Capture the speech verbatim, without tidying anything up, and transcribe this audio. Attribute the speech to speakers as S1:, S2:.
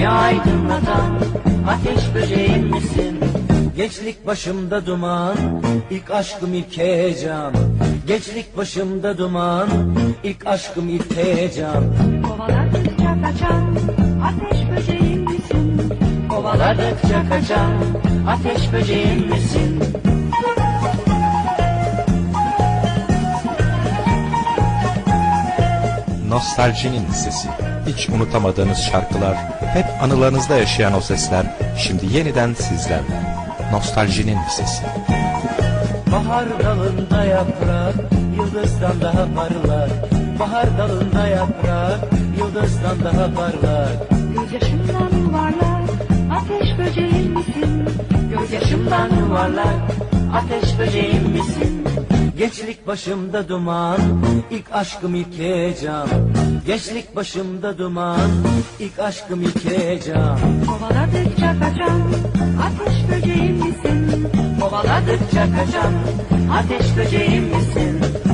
S1: beni aydınlatan ateş böceğim misin? Gençlik başımda duman, ilk aşkım ilk heyecan. Gençlik başımda duman, ilk aşkım ilk heyecan.
S2: Kovaladıkça kaçan ateş böceğim misin?
S1: Kovaladıkça kaçan ateş böceğim misin?
S3: Nostaljinin sesi. Hiç unutamadığınız şarkılar, hep anılarınızda yaşayan o sesler, şimdi yeniden sizlerle. Nostaljinin sesi.
S1: Bahar dalında yaprak, yıldızdan daha parlar. Bahar dalında yaprak, yıldızdan daha parlar.
S2: Gözyaşımdan yuvarlak ateş böceğim misin?
S1: Gözyaşımdan yuvarlak ateş böceğim misin? Gençlik başımda duman, ilk aşkım ilk heyecan. Gençlik başımda duman, ilk aşkım ilk heyecan.
S2: Kovaladıkça kaçan ateş böceğim misin?
S1: Kovaladıkça kaçan ateş böceğim misin?